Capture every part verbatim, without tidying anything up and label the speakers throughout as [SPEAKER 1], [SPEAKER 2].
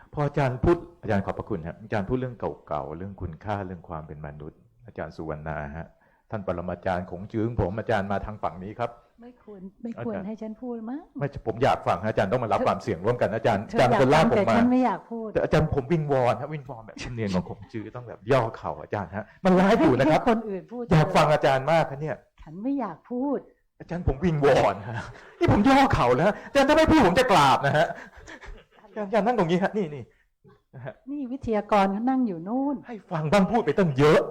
[SPEAKER 1] พออาจารย์พูดอาจารย์ขอบพระคุณครับอาจารย์พูดเรื่องเก่าๆเรื่องคุณค่าเรื่องความเป็นมนุษย์อาจารย์สุวรรณาฮะท่านปรมาจารย์ของจื้งผมอาจารย์มาทางฝั่งนี้ครับ
[SPEAKER 2] ไม่ควรไม่ควรให้ฉันพูดมั้ง
[SPEAKER 1] ไม่ผมอยากฟังอาจารย์ต้องมารับความเสี่ยงร่วมกันอาจารย์
[SPEAKER 2] อา
[SPEAKER 1] จารย์คนลากผมมา
[SPEAKER 2] แต่ฉันไม่อยากพูด
[SPEAKER 1] แต่อาจารย์ผมวิงวอนฮะวิงวอนแบบเนียนของผมจื้อต้องแบบย่อเข่าอาจารย์ฮะมันร้ายอยู่นะครับ
[SPEAKER 2] คนอื่นพูด
[SPEAKER 1] อยากฟังอาจารย์มากครับเนี่ย
[SPEAKER 2] ฉันไม่อยากพูด
[SPEAKER 1] อาจารย์ผมวิงวอนฮะนี่ผมย่อเข่าแล้วอาจารย์ถ้าไม่พูดผมจะกราบนะฮะอาจารย์อาจารย์นั่งตรงนี้ฮะนี่นี่
[SPEAKER 2] นี่วิทยากรเขานั่งอยู่นู่น
[SPEAKER 1] ให้ฟังบ้างพูดไปตั้งเยอะ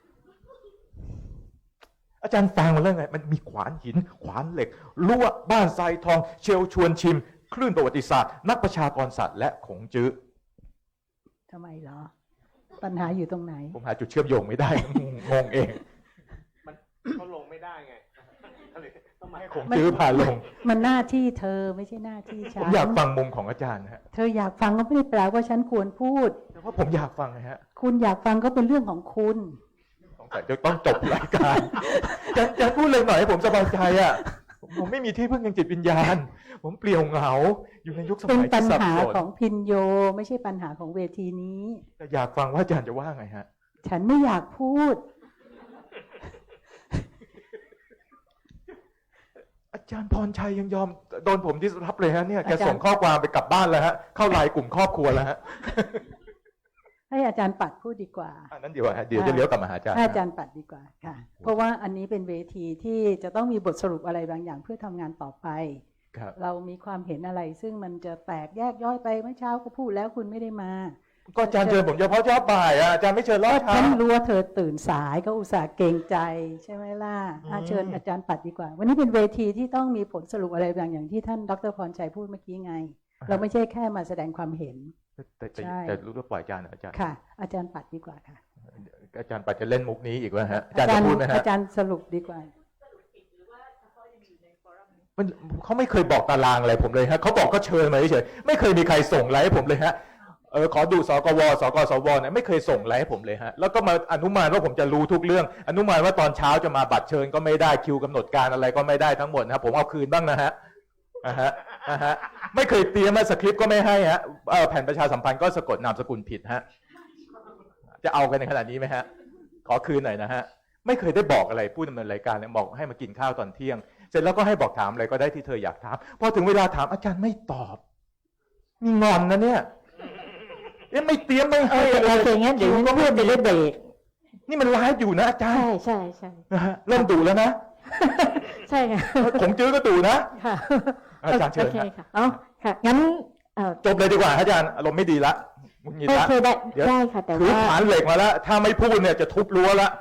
[SPEAKER 1] อาจารย์ฟังมาแล้วไงมันมีขวานหินขวานเหล็กลวดบ้านทรายทองเชลชวนชิมคลื่นประวัติศาสตร์นักประชากรสัตว์และขงจื้อ
[SPEAKER 2] ทำไมเหรอปัญหาอยู่ตรงไหน
[SPEAKER 1] ผมหาจุดเชื่อมโยงไม่ได้งงเอง
[SPEAKER 3] มันเขาลงไม่ได้ไง
[SPEAKER 1] ต้องมาให้ขงจื้อพาลง
[SPEAKER 2] มันหน้าที่เธอไม่ใช่หน้าที่ฉัน
[SPEAKER 1] ผมอยากฟังมุมของอาจารย์ฮะ
[SPEAKER 2] เธออยากฟังก็ไม่ได้แปลว่าฉันควรพูด
[SPEAKER 1] แต่ว่าผมอยากฟังนะฮะ
[SPEAKER 2] คุณอยากฟังก็เป็นเรื่องของคุณ
[SPEAKER 1] แต่จะต้องจบรายการจะจะพูดเลยหน่อยให้ผมสบายใจอ่ะผมไม่มีที่พึ่งทางจิตวิญญาณผมเปลี่ยวเหงาอยู่ในยุคสมัยที่สับสน
[SPEAKER 2] เป็นปัญหาของพินโยไม่ใช่ปัญหาของเวทีนี้
[SPEAKER 1] แต่อยากฟังว่าอาจารย์จะว่าไงฮะ
[SPEAKER 2] ฉันไม่อยากพูด
[SPEAKER 1] อาจารย์พรชัยยังยอมโดนผมดิสรับเลยฮะเนี่ยแกส่งข้อความไปกลับบ้านแล้วฮะเข้าไลน์กลุ่มครอบครัวแล้วฮะ
[SPEAKER 2] ให้อาจารย์ปัดพูดดีกว่า
[SPEAKER 1] อันนั้นเดี๋ยวเดี๋ยวจะเลี้ยวกลับมาหาอาจารย์
[SPEAKER 2] อาจารย์ปัดดีกว่าค่ะเพราะว่าอันนี้เป็นเวทีที่จะต้องมีบทสรุปอะไรบางอย่างเพื่อทำงานต่อไปเรามีความเห็นอะไรซึ่งมันจะแตกแยกย่อยไปเมื่อเช้าก็พูดแล้วคุณไม่ได้มา
[SPEAKER 1] ก็อาจารย์เชิญผมเฉพาะเช้าบ่ายอ่ะอาจารย์ไม่เชิญรอบเช้า
[SPEAKER 2] ฉันรู้ว่าเธอตื่นสายก็อุตส่าห์เกรงใจใช่ไหมล่ะเชิญอาจารย์ปัดดีกว่าวันนี้เป็นเวทีที่ต้องมีผลสรุปอะไรบางอย่างที่ท่านดร.พรชัยพูดเมื่อกี้ไงเราไม่ใช่แค่มาแสดงความเห็น
[SPEAKER 1] แต่แต่รู้ว่าปล่อยอาจารย์อาจารย์
[SPEAKER 2] ค่ะอาจารย์ปัดดีกว่าค่ะ
[SPEAKER 1] อาจารย์ปัดจะเล่นมุกนี้อีกวะฮะอาจารย์จะพูดไหมฮะ
[SPEAKER 2] อาจารย์สรุปดีกว่า
[SPEAKER 1] มันเขาไม่เคยบอกตารางอะไรผมเลยฮะเขาบอกก็เชิญมาเฉยๆไม่เคยมีใครส่งไลน์ให้ผมเลยฮะเออขอดูสกวสกสวเนี่ยไม่เคยส่งไลน์ให้ผมเลยฮะแล้วก็มาอนุมานว่าผมจะรู้ทุกเรื่องอนุมานว่าตอนเช้าจะมาบัตรเชิญก็ไม่ได้คิวกำหนดการอะไรก็ไม่ได้ทั้งหมดนะผมเอาคืนบ้างนะฮะอ่าฮะอ่าฮะไม่เคยเตรียมมาสคริปต์ก็ไม่ให้ฮะแผ่นประชาสัมพันธ์ก็สะกดนามสกุลผิดฮะจะเอากันในขนาดนี้ไหมฮะขอคืนหน่อยนะฮะไม่เคยได้บอกอะไรผู้ดำเนินรายการเนี่ยบอกให้มากินข้าวตอนเที่ยงเสร็จแล้วก็ให้บอกถามอะไรก็ได้ที่เธออยากถามพอถึงเวลาถามอาจารย์ไม่ตอบมีงอนนะเนี่ยยังไม่เตรียมไม่ให้อะไร
[SPEAKER 2] อย่างเงี้ยเดี๋ยวก็เพื่อนจะได้เบรก
[SPEAKER 1] นี่มันไลฟ์อยู่นะอาจารย์
[SPEAKER 2] ใช่ใช่
[SPEAKER 1] นะฮะเริ่มดุแล้วนะ
[SPEAKER 2] ใช่ค่ะ
[SPEAKER 1] ของจื้อก็ดุนะ
[SPEAKER 2] ค่ะ
[SPEAKER 1] อาจารย์เชิญ
[SPEAKER 2] ค่ะอ๋อค่ะงั้น
[SPEAKER 1] จบเลยดีกว่าอาจารย์อารมณ์ไม่ดีละมุนงิดละ
[SPEAKER 2] ได้ได้ค่ะแต่ว่า
[SPEAKER 1] ถือฐานเหล็กมาแล้วถ้าไม่พูดเนี่ยจะทุบรั้วละ